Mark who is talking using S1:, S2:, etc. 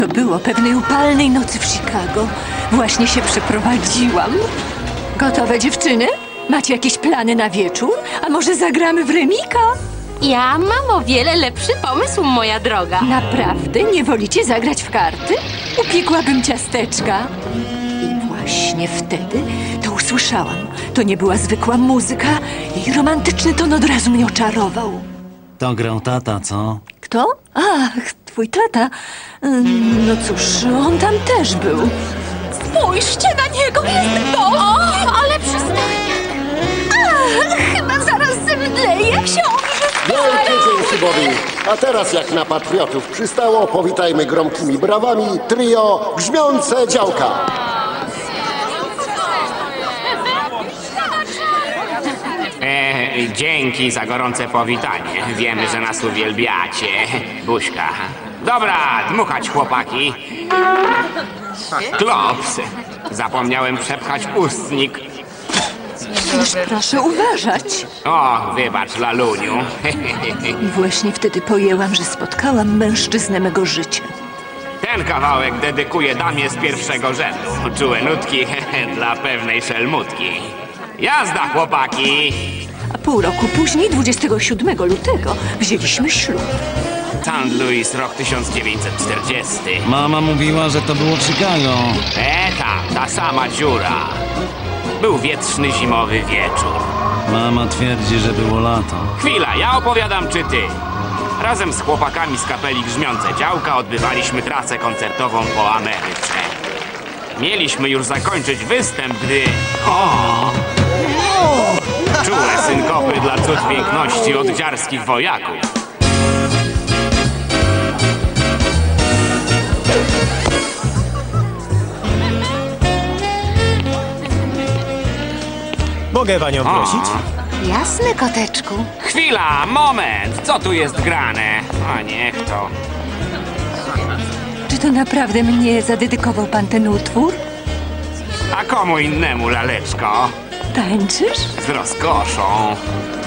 S1: To było pewnej upalnej nocy w Chicago. Właśnie się przeprowadziłam. Gotowe, dziewczyny? Macie jakieś plany na wieczór? A może zagramy w remika?
S2: Ja mam o wiele lepszy pomysł, moja droga.
S1: Naprawdę? Nie wolicie zagrać w karty? Upiekłabym ciasteczka. I właśnie wtedy to usłyszałam. To nie była zwykła muzyka. Jej romantyczny ton od razu mnie oczarował.
S3: To grał tata, co?
S1: Kto? Ach, twój tata. No cóż, on tam też był. Spójrzcie na niego, jest to!
S2: Ale przestań!
S1: Chyba zaraz zemdleje, książę!
S4: Wielkie dzięki Bobby. A teraz jak na patriotów przystało, powitajmy gromkimi brawami trio Grzmiące Działka.
S5: Dzięki za gorące powitanie. Wiemy, że nas uwielbiacie. Buźka. Dobra, dmuchać chłopaki. Klops. Zapomniałem przepchać ustnik.
S1: Cóż, proszę uważać.
S5: O, wybacz, laluniu.
S1: I właśnie wtedy pojęłam, że spotkałam mężczyznę mego życia.
S5: Ten kawałek dedykuję damie z pierwszego rzędu. Czułe nutki dla pewnej szelmutki. Jazda, chłopaki!
S1: A pół roku później, 27 lutego, wzięliśmy ślub.
S5: St. Louis, rok 1940.
S3: Mama mówiła, że to było w Chicago.
S5: Ta sama dziura. Był wietrzny zimowy wieczór.
S3: Mama twierdzi, że było lato.
S5: Chwila, ja opowiadam czy ty? Razem z chłopakami z kapeli Grzmiące Działka odbywaliśmy trasę koncertową po Ameryce. Mieliśmy już zakończyć występ, gdy... Czułe synkopy dla cud piękności od dziarskich wojaków.
S6: Mogę panią prosić?
S2: Jasne, koteczku.
S5: Chwila, moment! Co tu jest grane? A niech to...
S1: Czy to naprawdę mnie zadedykował pan ten utwór?
S5: A komu innemu, laleczko?
S1: Tańczysz?
S5: Z rozkoszą.